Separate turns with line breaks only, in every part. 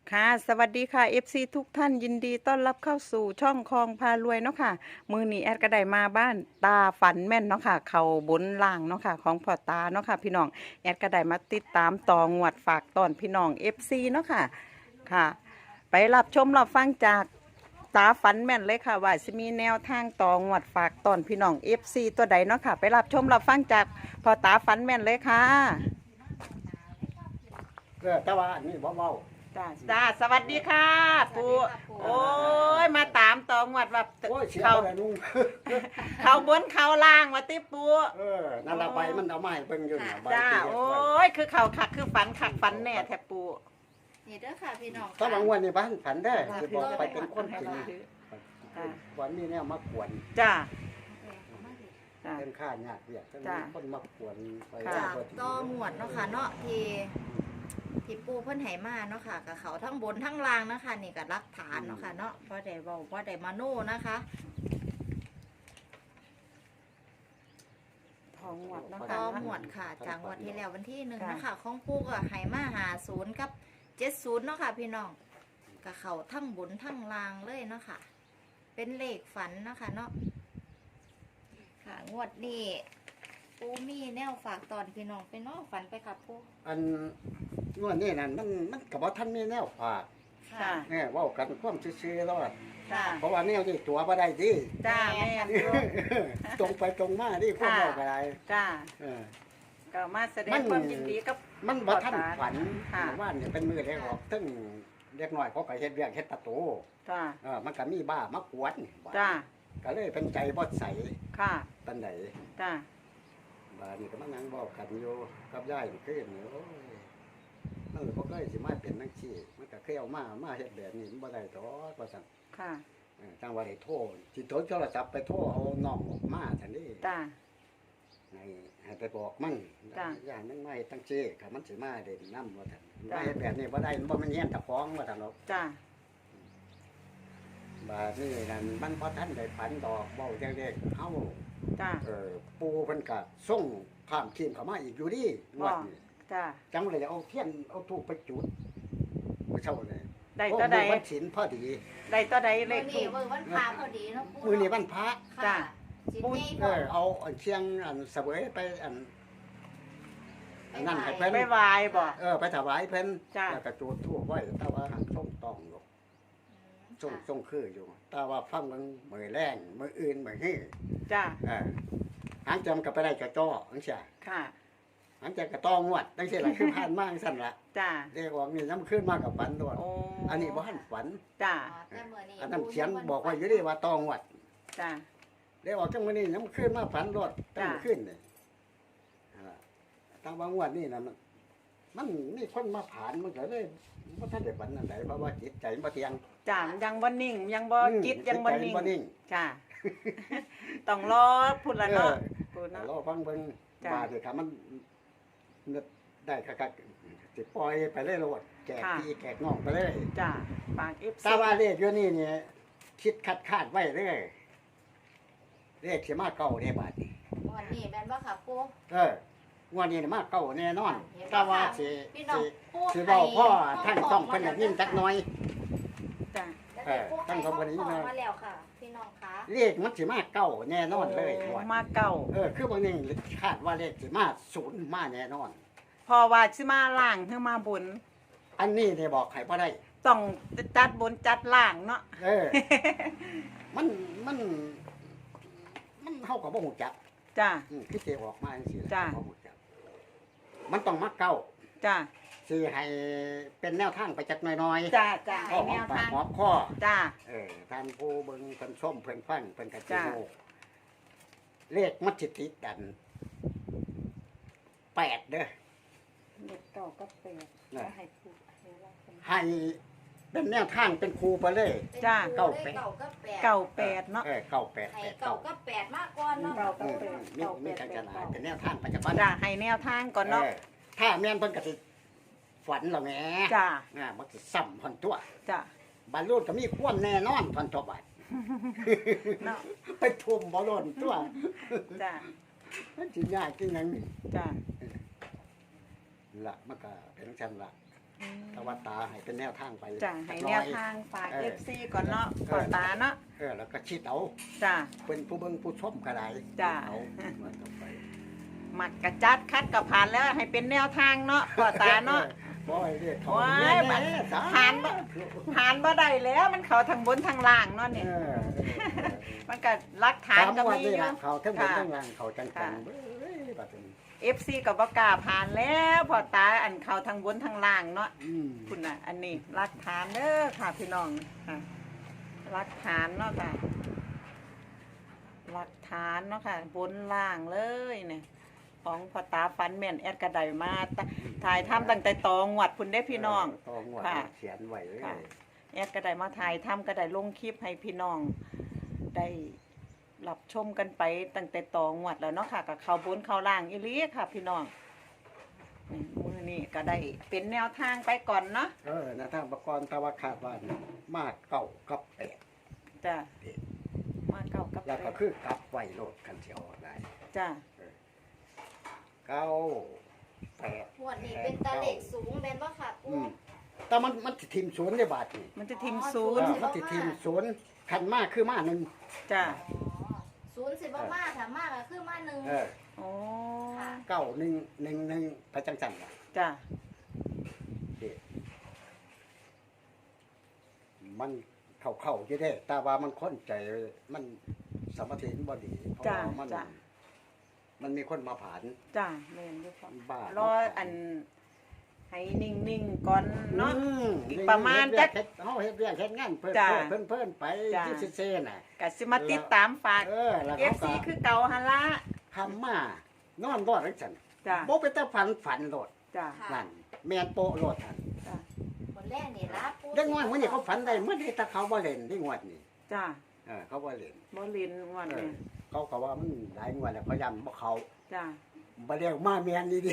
ค่ะสวัสดีค่ะ FC ทุกท่านยินดีต้อนรับเข้าสู่ช่องคลองพารวยเนาะค่ะมือนี้แอดก็ได้มาบ้านตาฝันแม่นเนาะค่ะเขาบนล่างเนาะค่ะของพ่อตาเนาะค่ะพี่น้องแอดก็ได้มาติดตามต่องวดฝากตอนพี่น้อง FC เนาะค่ะค่ะ ไปรับชมรับฟังจากตาฝันแม่นเลยค่ะว่าจะมีแนวทางต่องวดฝากตอนพี่น้อง FC ตัวใดเนาะค่ะไปรับชมรับฟังจากพ่อตาฝันแม่นเลยค่ะ
แต่ว่าอันนี้บ่เว้า
จ้าสวัสดีค่ะปู่โอ้ยมาตามต่องวดว่า
โอ้ยเสีย
เขา
บ่ได้นุ่ง
เขาบนเขาล่างว่าติปู่
นั่นละใบมันเอาไม้เบิ่งอยู่น่ะใบ
จ้า
ที่เฮ็ด
โอ้
ไว้
ยคือเขาคักคือฝันคักฝันแน่แทบปู่
นี่เด้อค่ะพี่น้อง
ถ้าบางวันนี่บ้านผันได้อสิบอกไป
จ้า
เป็นคนจริง
จ้า
วันนี้แนวมากวน
จ้า
จ้า
จ้า
เป็นค่าญาติเวียดทั้ง
จ้า
คนมากวนไป
ค่ะ
จาก
บ่ดี
ต่อหมวดเนาะค่ะเนาะที่ปูเพิ่นไหมาเนาะค่ะกับเขาทั้งบนทั้งล่างนะคะนี่ก็รักฐานเนาะค่ะเนาะเพราะได้บอกว่าได้มาโน่นะคะ
ทองหวดเนาะ
ต่อ
ค่ะ
หมวดค่ะ จากงวดที่แล้ววันที่1
ค่ะ
นะคะของปูก็ไหมา50กับ70เนาะค่ะพี่น้องกับเขาทั้งบนทั้งล่างเลยเนาะค่ะ เป็นเลขฝันเนาะค่ะเนาะค่ะงวดนี้ปูมีแนวฝากตอนพี่น้องไปเนาะฝันไปค่ะปู
อันงวดนี้นั่นมันก็บ่ทันมีแนวฝาก
ค่ะ
เว้ากันความซื่อๆแล้วอะ
จ้า
เพราะว่าแนวนี่ตัวบ่ได้ดิ
จ้าแม่นอยู่
ตรงไปตรงมาดิความ
ค่ะ
เว้าก็ได้
จ้า
เออ
ก็มาแสด
มั
ง
น
ความยินดีกับ
มันบ่ทันฝัน
ค่ะ
ว่าเนี่ยเป็นมือเล็กออกซึ่งเล็กน้อยเขาก็เฮ็ดเวียกเฮ็ดประตู
จ้า
มันก็มีบ้ามากวน
จ้า
ก็เลยเป็นใจบ่ใส
ค่ะ
ปานใด
จ้า
บ้านนี้ก็มานั่งบอกกันอยู่กับยายคือนี่โอ้ยมันบ่เคยสิมาเป็นจังซี่มันก็เคยเอามาเฮ็ดแบบนี้มันบ่ได้ดอกว่าซั่น
ค่ะ
จังว่าได้โทรสิโทรโทรศัพท์ไปโทรเอาน้องออกมาซั่นนี่
จ้า
ให้ไปบอกมัน
จ้ะ
อย่างนั้นไม่ตั้งเจ้ค่ะมันสิมาเด่นนำว่าซั่น
จ้ะ
ว่าเฮ็ดแบบนี้บ่ได้มันบ่แม่นเฮียนตะของว่าซั่นหรอก
จ้า
บาดนี้นั่นมันบ่ทันได้ฝันดอกเว้าจังได๋เฮา
จ้า
ปู่เพิ่นก็ส่งข้ามทีมเข้ามาอีกอยู่ดิงวดนี้
จ้า
จังเลยเอาเทียนเอาธูปไปจุดมื้อเช้าเลย
ได้ตัวใด
โอ้มื้อวันศีลพอดี
ได้ตัวใดเล
มื้
ข
อ
ถู
นี้
ก
วันพาพอดีเนาะปู
มื้อนี้วันพระ
จ้ะ
ค่ะสิ
ปู
ใหญ่
เอ
บ่
เอาอันเชียงอันเสวยไปอันนั่นให้เพิ่น
ไม่วายบ่
ไปถวายเพิ่น
จ้ะ
แล้วก็จุดธูปไว้แต่ว่าหักส่งต้องอยู่ส่งคืออยู่ แต่ว่าฟังเบิ่งมื้อแรงมื้ออื่นมื้อฮื้อ
จ้า
หางจำก็ไปได้กระจ้อจังซี่
ค่ะ
หางจำกระต้องวดจังซี่ล่ะคือผ่านมาจังซั่นล่ะ
จ้า
เรียกว่านี่น้ำขึ้นมากับฝันด้วย
โอ้
อันนี้บ่ทันฝัน
จ้า
แต่มื้อนี้
อันนั้นเขียนบอกไว้อยู่ดิว่าต้องวด
จ้า
เรียกว่าจังมื้อนี้น้ำขึ้นมาฝันรถตั้ง
จ้ะ
ขึ้นนี่ตั้งบางวันนี่นะมันมีคนมาผ่านมันก็เลยบ่ทันได้ฝันอันใดเพราะว่าจิตใจบ่เที่ยง
จ้ายังบ่นิ่งยังบ่จิตยังบ่
จิตใจ
นิ่ง
บ่นิ่ง
จ้า ต้องรอพุ่นละเนาะพุ่น
แต่
เนาะ
รอฟังเบิ่ง
จ้ะ
ว่าสิครับมันนึกได้คักๆสิปล่อยไปเลยโลดแจกพี่แจกน้องไปเลย
จ้าฝาก FC
แต่ว่าเลขอยู่นี่เนี่ยคิดคาดไว้เลยเลขสิมาเก่าเด้บาดนี้
วันนี้แม่นบ่ค่ะปู
งวดนี้มาเก่าแน่นอน
เห็นบ่
แต่ว่า
ค่ะ
สิ
พี่น้องปู
สิเว้าพ่อท่านต้องเพิ่นอยากยินจักหน่อย
จ้า
ตั้งคำวันนี้นะ
มาแล้วค่ะ พี่น้องคะ
เลขมันสิมาเก่าแน่นอนเลยงวด
มาเก่า
คือบางนึงคาดว่าเลขสิมาศูนย์มาแน่นอน
พอว่าสิมาล่างคือมาบน
อันนี้เนี่ยบอกให้บ่ได้
ต้องจัดบนจัดล่างเนาะ
มันเฮาก็บ่ฮู้จัก
จ้า
คือสิออกมาจังซี่
จ้ะ
บ่ฮู้จักมันต้องมาเก่า
จ้า
สิให้เป็นแนวทางไปจักหน่อย
จ้าจ้า
ๆ
ให้แนวทาง
หอมคอ
จ้า
ท่านผู้เบิ่งเพิ่นชมเพิ่นฟังเพิ่นก็สิ
จ้ะ
รู้เลขมันสิติดกัน8เด้อ
เด็กเก่าก็เป็น
น่ะ
ให้พูดให้ว่าเป็น
ให้เป็นแนวทางเป็นครูไปเลย
จ้ะ
เก่าแปด
เก่าแปดเนาะ
98
ให้เก่าก็แปดมากก่อนเนาะ
เก่า
เออมีการจนาเป็นแนวทางปัจจุบัน
จ้าให้แนวทางก่อนเนาะ
ถ้าแม่นเพิ่นก็สิฝันแล้วแหม
จ้า
มันสิซ้ำพันตัว
จ้า
บรรลุก็มีความแน่นอนพันตัวบาด
เนาะ
ไปทุ่มบ่ล้นตัว
จ้า
มันสิยากจริงหยัง
จ้า
ล่ะมันก็เป็นจังซั่นล่ะ
อ
แต่ว่าตาให้เป็นแนวทางไป
จ้ะให้แนวทางฝาก
เออ
FC ก่อนเนาะพ่อตาเนาะ
แล้วก็คิดเอา
จ้ะ
เป็นผู้เบิ่งผู้ชมก็ได้
จ้ะ
เอามันต่อไป
มักกระจัดคัดกับผ่านแล้วให้เป็นแนวทางเนาะพ่อตาเนาะ
บ่ให้เรียกเขา
ว้าย
แน่ๆสาธุ
ผ่านบ่ ผ่านบ่ได้แล้วมันเขาทางบนทางล่างเนาะ
เอ
เนี่ย
อ
มันก็รักฐาน
ถาม
ก็
ว่า
มี
นี่
อยู่
ล่ะเขาทั้งบน
ค่ะ
ทั้งล่างเขาจัง
ค่ะ
ๆเบ้ยบัดนี้
FC กับบ่กล้าผ่านแล้วพ่อตาอันเขาทางบนทางล่างเนาะ
อืม
คุณน่ะอันนี้รักฐานเด้อค่ะพี่น้องค่ะรักฐานเนาะค่ะรักฐานเนาะค่ะบนล่างเลยเนี่ยของพ่อตาฟันแม่นแอดกระไดมาถ่ายทำตั้งแต่ตองหวัดคุณได้พี่น้อง
ตองวด
ค่ะ
เขียนไว้เลย
ค่ะ แอดกระไดมาถ่ายทำกระไดลงคลิปให้พี่น้อง ได้รับชมกันไปตั้งแต่ตองหวัดแล้วเนาะค่ะกับเขาบนเขาล่างอีหลีค่ะ พี่น้องนี่มือนี่ก็ได้เป็นแนวทางไปก่อนเนาะ
นะทางประกรณ์ตะวันขาดว่ามาเก่ากับแปด
จ้ะมาเก้ากับ
แล้วก็
แปด
คือกลับไว้โลดกันสิออกได้
จ้ะ
เก้าแปด
งวดนี้เป็นตาเหล็กสูงแม่นบ่ค่ะ
อื
ปู
มแต่มันสิทิมศูนย์ในบาทนี่
มันจะทิมศู
ศู
นย์
ย์
มันสิทิมศูนย์คันมากคือมาหนึ่ง
จ้ะ
ศูนย์สิบ่มาถ้ามาก็คือมาหนึ่ง
โอ้
ค่ะ
เก้าหนึ่งหนึ่งหนึ่งไปจังจังล่ะ
จ้ะ
เด็มันเข้าอยู่ได้แต่ว่ามันค้นใจมันสมถินบ่ดีเพราะ
จ้ะ
ว่ามัน
จ้ะ
มันมีคนมาผ่าน
จ้ะแม่นด้วยครับ
บ้าร
ออันให้นิ่งๆก่อนเนาะ
อืม
อีกประมาณจัก
เฮาเฮ็ดเรียกเฮ็ดงานเพิ่น
จ้ะ
เพิ่นไป
จ้ะ
ที่เซ่ๆน่ะ
ก็สิมาติดตามฝาก
แล้ว
FC คือเก่าหั่นละ
ทำมานอนรอดจังซั่น
จ้ะ
บ่ไปแต่ฝันโลด
จ้ะ
นั่นแม่นโปะโลดนั่น
จ้ะ
คนแรกนี่ละปู
ได้งวดมื้อนี้เขาฝันได้มื้อนี้แต่เขาบ่เล่นได้งวดนี้
จ้ะ
เขาบ่เล่น
บ่ลินวันนี้
เขาก็ว่ามันหลายงวดแล้วเขาย้ำบ่เขา
จ้ะ
บ่เรียกมาแม่นดี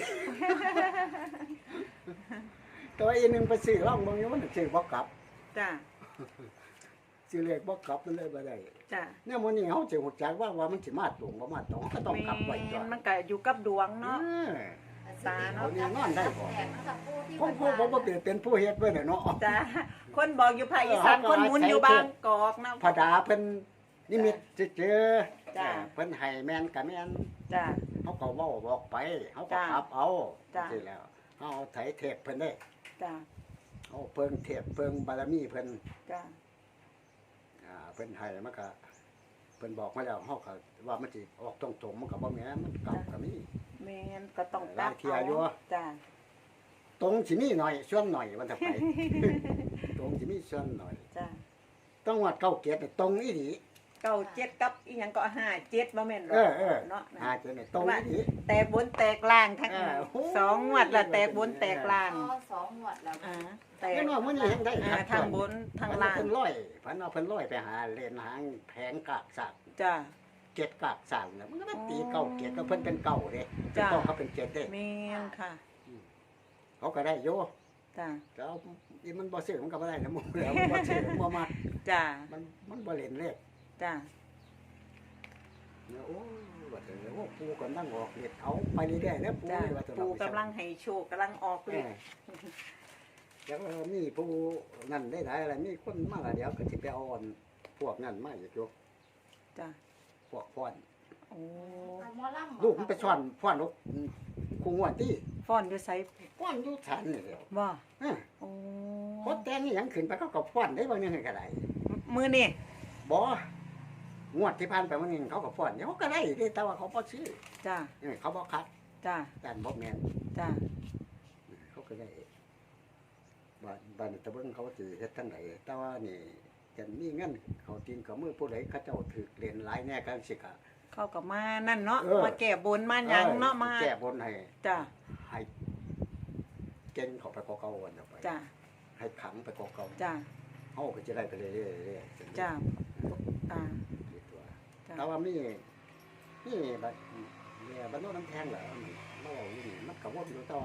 ๆ ตัวอีหนึงไปซื้อร่องเบิ่งอยู่มันซื้อบ่กลับ
จ้ะ
ซื้อเลขบ่กลับมันเลยบ่ได้
จ้ะ
เนี่ยมื้อนี้เฮาสิฮู้จักว่ามันสิมาตรงบ่มาตรงก็ต้องกลับไว้ก่อน
มันก็อยู่กับดวงเนาะ ตาเนาะ
แตกเนาะค่ะปูที่
ผมบ่เป็นผู้เฮ็ดเบิ่เนาะ
จ้ะคนบอกอยู่ภาคอีสานคนหมุนอยู่บางกอกเนาะ
พระดาเพิ่นนิมิตสิเจอ
จ้ะ
เพิ่นให้แม่นก็แม่น
จ้ะ
เฮาก็เว้าบอกไปเฮาก็
จ้ะ
กลับเอา
จ้ะ
สิแล้วเฮาเอาไถเทพเพิ่นเด้
จ้ะ
เอาเพิ่งเทพเพิ่งบารมีเพิ่น
จ้ะ
เพิ่นให้มันก็เพิ่นบอกมาแล้วเฮาก็ว่ามันสิออกตรงๆมันก็บ่แม่นมันกลับก็มี
แม่นก็ต้อง
หลายเที่ยอยู่
จ้ะ
ตรงสิมีหน่อยส่วนหน่อยมันจะไป ตรงสิมีส่วนหน่อย
จ้ะ
ต้องวัดเก้าเกียรตินี่ตรงอีหลี
เก้าเจ็ดกับอีหยังก็5 7บ่แม่นหร
เออ
เนาะ
หาเจอนี่ตรงอีหลี
แตกบนแตกล่างทั้ง
โอ้
สองงวดละแตกบนแตกล่าง
อ๋อสองงวดแล้ว
แตก
แน่นอนมื้อนี้เห็นได้
ทางบนทางล่าง
เพิ่นร้อยเพิ่นเอาเพิ่นร้อยไปหาเลนหางแผงกากสัก
จ้ะ
เจ็ดกากสักเนี่ยมันก็ต้องตีเก้าเกียรติแล้วเพิ่นเป็นเก้าเด้
จ้ะ
พ่อเขาเป็นเจ็ดเด้
แม่นค่ะ
เขาก็ได้อยู่
จ้ะ
แต่เอาอีมันบ่ซื้อมันก็บ่ได้นะหมึงแล้วมันบ่ซื้อมันบ่มา
จ้ะ
มันบ่เล่นเลข
จ้ะ
เนี่ยโอ้ว่าแต่โอ้ปูก็นั่งออกเล็ดเอาไปเรื่อยๆแล้วปู
จ้ะ
ว่าแต่
ปูกำลังให้โชคกำลังออกเลย
แล้วมีปูนั่นได้หลายอะไรมีคนมาแล้วเดี๋ยวก็สิไปเอาอันพวกนั่นมาอีกอยู่
จ้ะ
พวกฟ้อน
โอ้
หมอลำบ่
ลูกมันไปซ่อนฟ้อนลูกคงว่าติ
ฟ้อนอยู่ไส
ฟ้อนอยู่ฐานนี่แหล้ว
บ่
เออ
โอ้
พอแต่นี่หยังขึ้นไปเขาก็ฟ้อนได้บางนึงก็ได้
มือนี่
บ่งวดที่ผ่านไปมื้อนึงเขาก็ฟ้อนเขาก็ได้เด้แต่ว่าเขาบ่ซื้อ
จ้ะ
เขาบ่คัด
จ้ะ
แต่บ่แม่น
จ้ะ
เขาก็ได้บ้านตะเบิ้งเขาสิเฮ็ดทั้งไหนแต่ว่านี่จะมีเงินเขาตีนเขามือผู้ใดเขาเจ้าถือเรียนหลายแน่กันสิกะ
เข้ากับมานั่นเนาะ
เออ
มาแก้บนมาหยังเนาะมา
แก้บนให้
จ้ะ
ให้เก่งเขาไปกว่าเก่าวันต่อไป
จ้ะ
ให้ขังไปกว่าเก่า
จ้ะ
เฮาก็จะได้ไปเรื่อยๆ
จ้ะอ่า
คิดว่า
จ้ะ
แต่ว่ามีบัดเนี่ยบ้านโน้นน้ำแทงเหรอเราเอาอยู่นี่มันก็วนอยู่แต่ว่า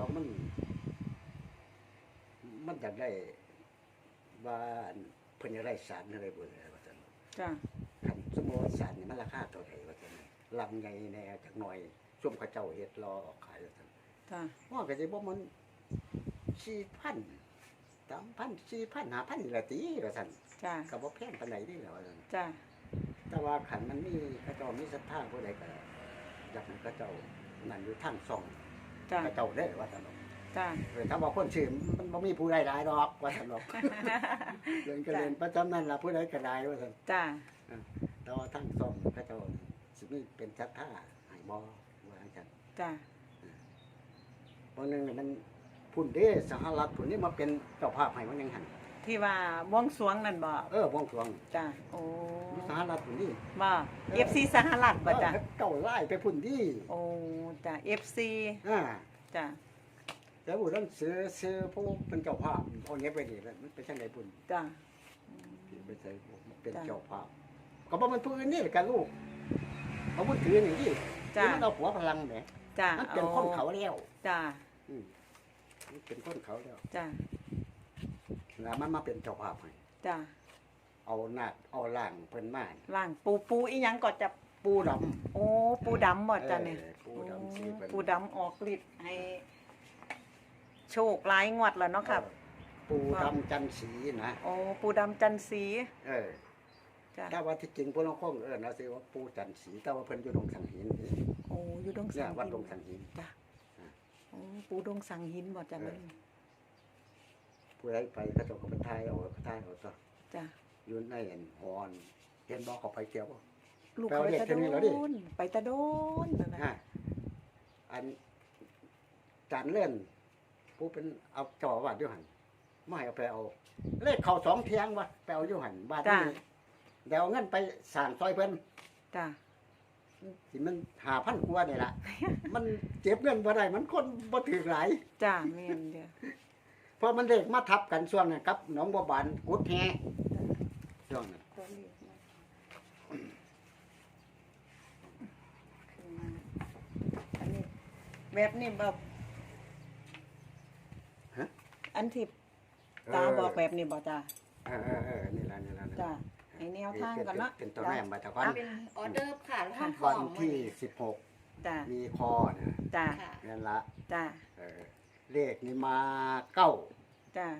มันอยากได้ว่าเพิ่นจะได้สารอะไรบ่ได้ว่าซั่น
จ้ะ
คันสมมุติว่าสารนี่มันราคาเท่าไหร่ว่าซั่นลำใหญ่แน่จักหน่อยช่วงเขาเจ้าเฮ็ดรอออกขายว่าซั่น
จ้ะ
ว่าก็สิบ่มัน4,000 3,000 4,000 5,000นี่ละติว่าซั่น
จ้า
ก็บ่แพงปานใดนี่แหละว่าซั่น
จ้า
แต่ว่าขันมันมีเขาเจ้ามีศรัทธาผู้ใดก็อยากให้เขาเจ้านั่นอยู่ทางซ่อง
จ้า
เขาเจ้าได้ว่าซั่นดอก
จ้า
ถ้าว่าคนชื่อมันบ่มีผู้ใดหลายดอกว่าซั่นดอกเล่นก็เล่นประจำนั่นล่ะผู้ใดก็ได้ว่าซั่น
จ้า
แต่ว่าทางซ่องเขาเจ้าสิมีเป็นศรัทธาให้บ่ว่าจังซั่น
จ้า
บางนึงนี่มันพุ่นเด้สหรัฐพุ่นนี่มาเป็นเจ้าภาพให้มันยังหั่น
ที่ว่าบวงสรวงนั่นบ่
วงสรวง
จ้าโอ้
สหรัฐพุ่นนี่
บ่ FC สหรัฐบ่จ้า
เจ้าไล่ไปพุ่นดี
โอ้จ้า FC
อ่า
จ้า
แต่ผู้นั้นซื้อผู้เป็นเจ้าภาพเอาเงี้ยไปดีแล้วมันเป็นจังไดบุญ
จ้า
ไปใส่เป็นเจ้าภาพก็บ่มันผู้อื่นนี่กันลูกเขาพูดถือนี่ดิ
จ้า
มันเอาหัวพลังแหม
จ้า
มันเป็นคนเขาแล้ว
จ้า
มันเป็นคนเขาแล้ว
จ้า
แล้วมันมาเป็นเจ้าภาพให้
จ้า
เอานาดเอาล่างเพิ่นมา
ล่างปูอีหยังก็จะ
ปูดำ
โอ้ปูดำบ่จ้าเนี่ย
ปูดำสีเพิ่น
ปูดำออกฤทธิ์ให้โชคหลายงวดแล้วเนาะครับ
ปูดำจันทร์สีนะ
โอ้ปูดำจันทร์สี จ้า
ถ้าว่าที่จริงพวกน้องคงนะสิว่าปูจันทร์สีแต่ว่าเพิ่นอยู่ดงสังหินนี่
โอ้อยู่ดง
เนี่
สั
ย
ง
วัด
หิน
ดงสังหิน
จ้าโอ้ปูดงสังหินบ่จ้ามัน
ผู้ใดไปเขาเจ้าก็ไปทายเอาซะ
จ้า
อยู่ในหอนเห็นบ่เขาไปเกี่ยวบ่
ลูก
แปล
เขา
ว่า
ไป
เรียก
ตะ
แค่นี้แล้วดิ
โดนไปตะโดนนั่นน่ะ
ฮะอันจานเลื่อนผู้เป็นเอาเจ้าอาวาสอยู่หั่นไม่ให้เอาไปเอาเลขเข้า2เที่ยงวะไปเอาอยู่หั่นบ้านนี้เดี๋ยวเอาเงินไปสร้างซอยเพิ่น
จ้า
สิมัน5,000กว่านี่ล่ะ มันเก็บเงินบ่ได้มันคนบ่ถึกหลาย
จ้าแม่นเด้อ
เพราะมันเลขมาทับกันช่วงนั้นครับหนองบัวบานกุดแฮช่วงนั้น
ตัวเลขมาขึ้นมาอันนี้แบบนี้แบบอันที่ตาบอกแบบนี้บ่จ้า
นี่ล่ะ
จ้าให้แนวทางกันเนาะ
เป็นตัวแม่มาตะกอน
เป็นออเดอร์ค่ะท่านขอ
วัน
ง
ที่
จ้า
16มีคอเนี่ย
จ้า
ค่ะ
นั่นละ
จ้า
เลขนี่มาเก้า
จ้า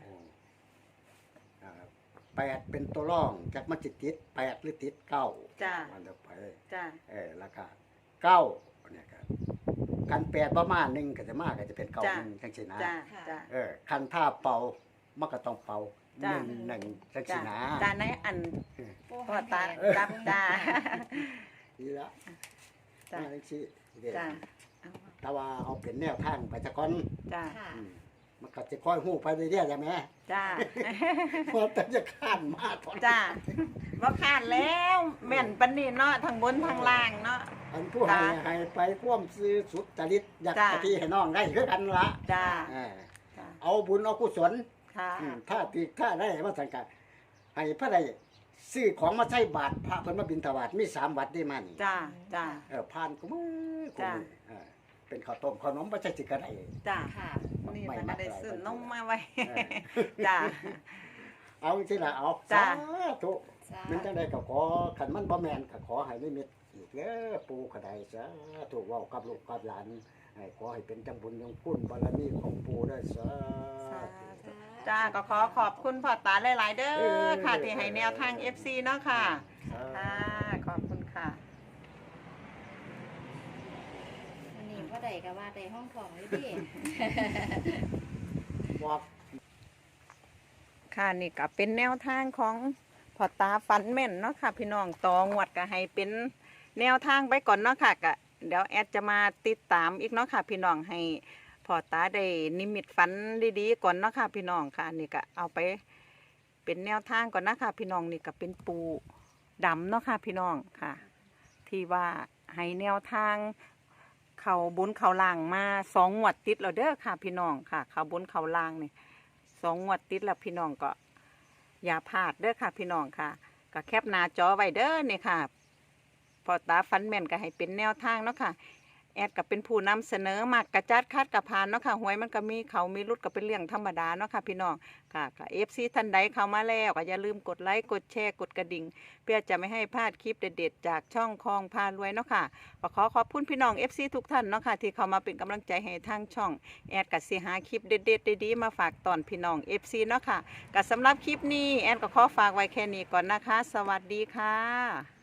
8เป็นตัวร่องจากมันจิตติด8หรือติดเก้า
จ้า
มันจะไป
จ้า
แล้วก็เก้าเนี่ยครับคัน8ประมาณ1ก็จะมาก็จะเป็นเก้า
จ้ะ
1จังซี่นะ
จ้าจ้า
คันท่าเป่ามันก็ต้องเป่า
จ้ะ
1จัง
จ้า
ซี่นะ
จ้าในอันพ่อตาจับจ้า
นี่ละ
จ้า
จังซี่
จ้า
แต่ว่าเอาเป็นแนวทางไปซะก่อน
จ้า
ค่ะ
มันก็จะค่อยฮู้ไปเรื่อยๆใช่ไหม
จ้า
เพราะแต่จะข้านมาถอน
จ้าบ่ขาดแล้วแม่นปานนี้เนาะทั้งบนทั้งล่างเนาะ
อันผู้ให้ไปความซื้อสุดจริตอยาก
จ้ะ
กะที่ให้น้องได้คือกันละ
จ้า
เออ
จ้า
เอาบุญเอากุศล
ค่ะ
ถ้าติถ้าได้มาสังกัดให้พระใดซื้อของมาใช้บาทพระเพิ่นมาบิณฑบาตมี3วัดได้มัน
จ้าจ้า
ผ่านก็มือกู
จ้ะ
มือเป็นข้าวต้มขนมบ่ใช่สิก็ได้
จ้า
ค่ะ
นี่มันก็ได้ซื้อนมมาไว้
เออ
จ้า
เอาสิล่ะเอา
จ้ะ
ธุ มันจังไดก็ขอคันมันบ่แม่นก็ขอให้นิมิตอีกเด้อปู่ก็ได้สาธุเว้ากับลูกกับหลานให้ขอให้เป็นจังบุญจังคุณบารมีของปู่ได้สาธุ
จ้าก็ขอขอบคุณพ่อตาหลายๆเด้อค่ะที่ให้แนวทาง FC เนาะค่ะ ค่ะขอบคุณค่ะ
วันนี้ว่าใดก็ว่าใดห้องของเลยพี่
บอก
ค่ะนี่ก็เป็นแนวทางของพ่อตาฟันแม่นเนาะค่ะ พี่น้องต่องวดก็ให้เป็นแนวทางไปก่อนเนาะค่ะก็เดี๋ยวแอดจะมาติดตามอีกเนาะค่ะ พี่น้องให้พ่อตาได้นิมิตฝันดีๆก่อนเนาะค่ะ พี่น้องค่ะนี่ก็เอาไปเป็นแนวทางก่อนนะคะพี่น้องนี่ก็เป็นปูดำเนาะค่ะ พี่น้องค่ะ ที่ว่าให้แนวทางเขาบุญเขาล่างมา2 งวดติดแล้วเด้อค่ะ พี่น้องค่ะ เขาบุญเขาล่างนี่2 งวดติดแล้วพี่น้องก็อย่าพลาดเด้อค่ะ พี่น้องค่ะก็แคปหน้าจอไว้เด้อนี่ค่ะพอตาฟันแม่นก็ให้เป็นแนวทางเนาะค่ะแอดก็เป็นผู้นำเสนอมากกระจัดคัดกระพานเนาะค่ะหวยมันก็มีเขามีรุดก็เป็นเรื่องธรรมดาเนาะค่ะพี่น้องค่ะก็ FC ท่านใดเข้ามาแล้วก็อย่าลืมกดไลค์กดแชร์กดกระดิ่งเพื่อจะไม่ให้พลาดคลิปเด็ดๆจากช่องคลองพารวยเนาะค่ะก็ขอขอบคุณพี่น้อง FC ทุกท่านเนาะค่ะที่เข้ามาเป็นกำลังใจให้ทางช่องแอดก็สิหาคลิปเด็ดๆดีๆมาฝากตอนพี่น้อง FC เนาะค่ะก็สำหรับคลิปนี้แอดก็ขอฝากไว้แค่นี้ก่อนนะคะ สวัสดีค่ะ